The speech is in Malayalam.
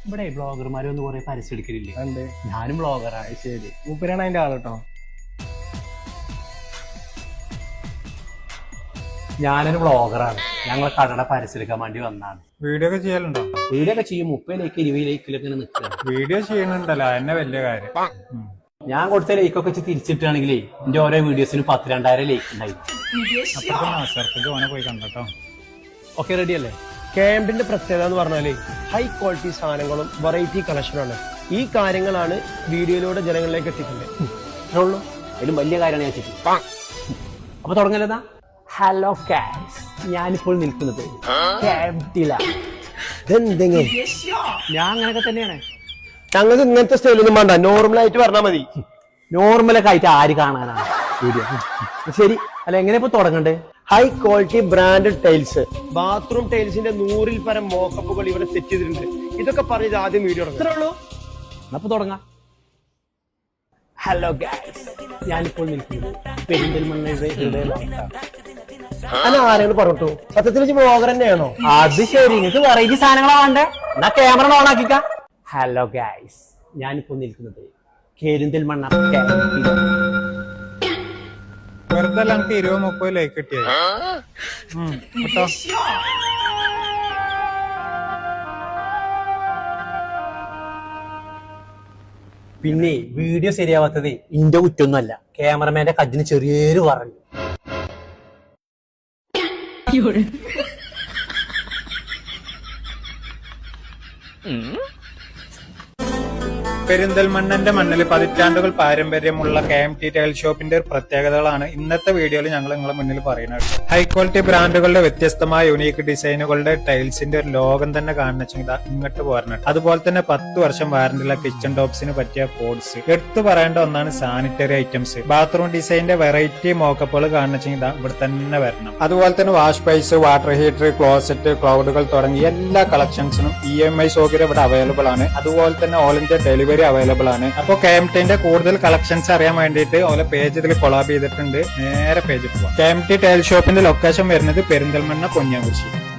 ഇവിടെ ബ്ലോഗർമാരൊന്നും കുറെ പരസ്യം എടുക്കലില്ലേ? ഉണ്ട്. ഞാനും ബ്ലോഗറാണ്. ശരി, മൂപ്പരാണ് അതിന്റെ ആള് കേട്ടോ. ഞാനൊരു ബ്ലോഗറാണ്. ഞങ്ങളെ കടയുടെ പരസ്യം എടുക്കാൻ വേണ്ടി വന്നാണ്. വീഡിയോ ഒക്കെ ചെയ്യലുണ്ടോ? വീഡിയോ ഒക്കെ ചെയ്യും. 30 ലൈക്ക് 20 ലൈക്കിലൊക്കെ നിൽക്കുക. വീഡിയോ ചെയ്യണുണ്ടല്ലോ, എന്നെ വലിയ കാര്യം. ഞാൻ കൊടുത്ത ലൈക്കൊക്കെ തിരിച്ചിട്ടാണെങ്കിലേ എന്റെ ഓരോ വീഡിയോസിന് 10,000-2000 ലൈക്ക് ഉണ്ടായിരുന്നു. അപ്പൊ ഓനെ പോയി കണ്ടോ. ഓക്കെ, റെഡി അല്ലേ? KMTന്റെ പ്രത്യേകത എന്ന് പറഞ്ഞാല് ഹൈ ക്വാളിറ്റി സാധനങ്ങളും വെറൈറ്റി കളക്ഷനാണ്. ഈ കാര്യങ്ങളാണ് വീഡിയോയിലൂടെ ജനങ്ങളിലേക്ക് എത്തിക്കുന്നത്. അത്രേ ഉള്ളൂ. അതിലും വലിയ കാര്യമാണ് ഞാൻ ചെയ്തത്. അപ്പൊ തുടങ്ങലതാ. ഹലോ ഗൈസ്, ഞാനിപ്പോൾ നിൽക്കുന്നത് KMTയിലാണ്. ഇതെന്തെങ്കിലും ഞാൻ അങ്ങനെയൊക്കെ തന്നെയാണ്. ഞങ്ങൾക്ക് ഇങ്ങനത്തെ സ്റ്റൈലൊന്നും വേണ്ട, നോർമലായിട്ട് പറഞ്ഞാൽ മതി. നോർമലൊക്കെ ആയിട്ട് ആര് കാണാനാണ് വീഡിയോ? ശരി, അല്ല എങ്ങനെ ഇപ്പൊ തുടങ്ങണ്ടേ? High quality branded tiles, bathroom ടൈൽസിന്റെ 100-ൽ പരം മോക്കപ്പുകൾ ഇവിടെ സെറ്റ് ചെയ്തിട്ടുണ്ട്. ഇതൊക്കെ പറഞ്ഞത് ആദ്യം വീഡിയോ അത്രേ ഉള്ളൂ. അപ്പൊ തുടങ്ങാം. ഹലോ ഗൈസ്, ഞാനിപ്പോൾ നിൽക്കുന്നത് പെരിന്തൽമണ്ണയുടെ ഹൃദയഭാഗത്താണ്. അല്ല, ആരെങ്കിലും പറഞ്ഞിട്ടു സത്യത്തിൽ ബ്ലോഗർ തന്നെയാണോ? അത് ശരി, നിങ്ങൾക്ക് വെറൈറ്റി സാധനങ്ങളാ വേണ്ടേ? എന്നാ ക്യാമറ ഓൺ ആക്കിക്ക. ഹലോ ഗൈസ്, ഞാനിപ്പോൾ നിൽക്കുന്നത് പെരിന്തൽമണ്ണ വെറുതെ എനിക്ക് 20-30 ലൈക്ക് കിട്ടിയത് കേട്ടോ. പിന്നെ വീഡിയോ ശരിയാവാത്തത് ഇന്റെ കുറ്റൊന്നുമല്ല, ക്യാമറമാന്റെ കജിന് ചെറിയൊരു പറഞ്ഞു. പെരിന്തൽമണ്ണന്റെ മണ്ണിൽ പതിറ്റാണ്ടുകൾ പാരമ്പര്യമുള്ള KMT ടൈൽ ഷോപ്പിന്റെ പ്രത്യേകതകളാണ് ഇന്നത്തെ വീഡിയോയിൽ ഞങ്ങൾ നിങ്ങളെ മുന്നിൽ പറയുന്നത്. ഹൈ ക്വാളിറ്റി ബ്രാൻഡുകളുടെ വ്യത്യസ്തമായ യുണീക്ക് ഡിസൈനുകളുടെ ടൈൽസിന്റെ ഒരു ലോകം തന്നെ കാണുന്ന ഇങ്ങോട്ട് പോരണം. അതുപോലെ തന്നെ 10 വർഷം വാറന്റിയുള്ള കിച്ചൺ ടോപ്സിന് പറ്റിയ പോഡ്സ്. എടുത്തു പറയേണ്ട ഒന്നാണ് സാനിറ്ററി ഐറ്റംസ്. ബാത്റൂം ഡിസൈനിന്റെ വെറൈറ്റി മോക്കപ്പുകൾ കാണുന്ന ഇവിടെ തന്നെ വരണം. അതുപോലെ തന്നെ wash base, water heater, closet, ക്ലൗഡുകൾ തുടങ്ങിയ എല്ലാ കളക്ഷൻസിനും EMI സൗകര്യം ഇവിടെ അവൈലബിൾ ആണ്. അതുപോലെ തന്നെ ഓൾ ഇന്ത്യ ഡെലിവറി അവൈലബിൾ ആണ്. അപ്പോൾ KMTന്റെ കൂടുതൽ കളക്ഷൻസ് അറിയാൻ വേണ്ടിയിട്ട് ഓരോ പേജ് ഇതിൽ കൊളാബ് ചെയ്തിട്ടുണ്ട്. നേരെ പേജിൽ പോവാം. KMT ടൈൽ ഷോപ്പിന്റെ ലൊക്കേഷൻ വരുന്നത് പെരിന്തൽമണ്ണ പൊന്നിയാകുരിശി.